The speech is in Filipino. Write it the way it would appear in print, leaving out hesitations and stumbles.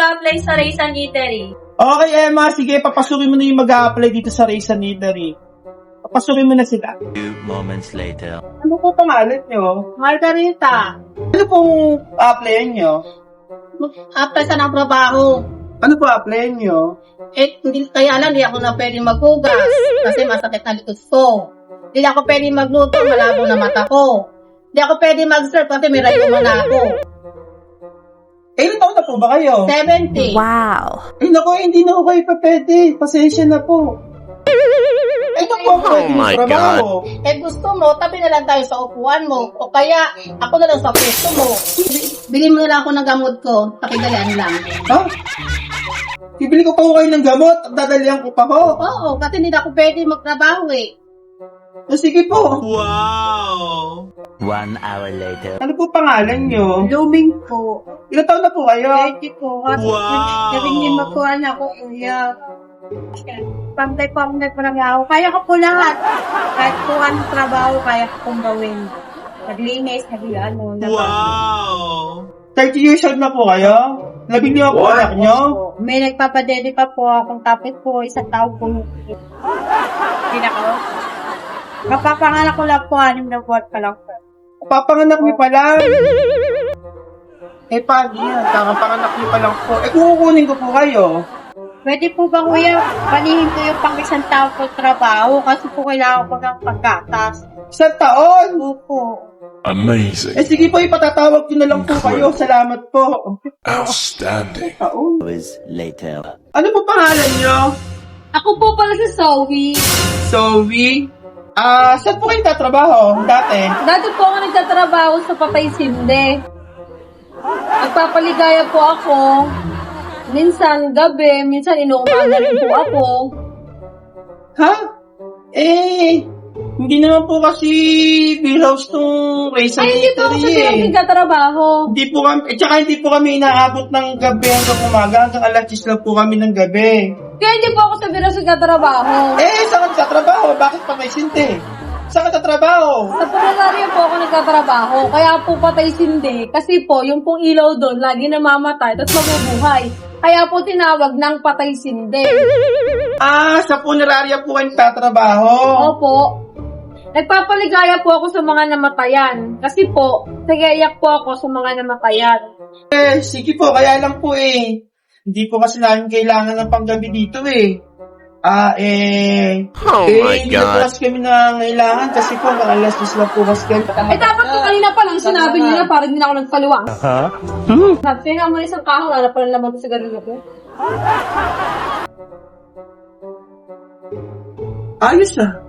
mag-a-apply sa Raisan Eatery. Okay, Emma, sige, papasukin mo na yung mag-a-apply dito sa Raisan Eatery. Papasukin mo na sila. Few moments later. Ano po pangalan nyo? Margarita, Ano pong applyan nyo? apply sa ng trabaho. Ano po applyan nyo? Hindi, kaya lang, di ako na pwede maghugas kasi masakit na likod ko. Hindi ako pwede magluto, malabo na mata ko. Hindi ako pwede mag-serve kasi may rayuma na ako. Ilan taon na po ba kayo? 70. Wow. Ay, naku, hindi na ako kayo pa pwede. Pasensya na po. Ito po ako my trabaho. Gusto mo, tabi na lang tayo sa upuan mo. O kaya, ako na lang sa pwesto mo. Bili mo na lang ako ng gamot ko. Pakidalian lang. Ha? Bibili ko pa ko kayo ng gamot at dadalihan ko pa ko. Oo, kasi hindi na ako pwede magtrabaho eh. Sige po. 1 hour later. Ano po pangalan nyo? Blooming po. Ilan taon na po kayo? Pwede ko. Naging magkuhan ako, kuya. Pantay-pantay pa lang ako. Kaya ko po lahat. Kahit po anong trabaho, kaya ko pong gawin. Naglinis, nag-ano. 30 years old na po kayo? 15 po anak nyo? May nagpapadede pa po akong tapos po, isang taon po. Hindi na ko. Mapapanganak ko lang po, 6 na buwan pa lang po. Papanganak niyo pa lang. Paano yan? Kakapanganak niyo pa lang po. Kukunin ko po kayo. Pwede po ba kuya, panihin ko yung pang isang taon ko trabaho kasi po kailangan ko ng paggatas. Isang taon? Opo. Amazing. Sige po, ipatatawag ko na lang po kayo. Salamat po. Outstanding. Taon? Hours later. Ano po pangalan niyo? Ako po pala si Zoe. Zoe? Saan po kayo tatrabaho dati? Dati po ako nagtatrabaho sa Patay Sinde. Nagpapaligaya po ako. Minsan gabi, minsan inuumaga rin po ako. Ha? Hindi naman po kasi beer house tong Raisan Ay, hindi po ako sa Eatery nagtatrabaho. Hindi po kami, tsaka hindi po kami inaabot ng gabi hanggang umaga, hanggang alas 10 lang po kami ng gabi. Kaya hindi po ako sa biro sa nagtatrabaho. Saan ka trabaho? Bakit pa may sinte? Saan ka trabaho? Sa Punasaria po ako nagtatrabaho. Kaya po Patay Sinde. Kasi po, yung pong ilaw doon, lagi namamatay, tapos mabubuhay. Kaya po tinawag ng Patay Sinde. Sa punerarya po kayo tatrabaho. Opo. Nagpapaligaya po ako sa mga namatayan. Kasi po, nag-iiyak po ako sa mga namatayan. Sige po, kaya lang po hindi po kasi namin kailangan ng panggabi dito Oh my hindi po God. kasi kami nangailangan kasi po, alas 10 lang po kasi kami. Dapat po kanina pa lang sinabi niyo na parang hindi na ako nagpaliwang. Sabi nga mo isang kahon, wala pa lang laman sa ganun ko. Ayos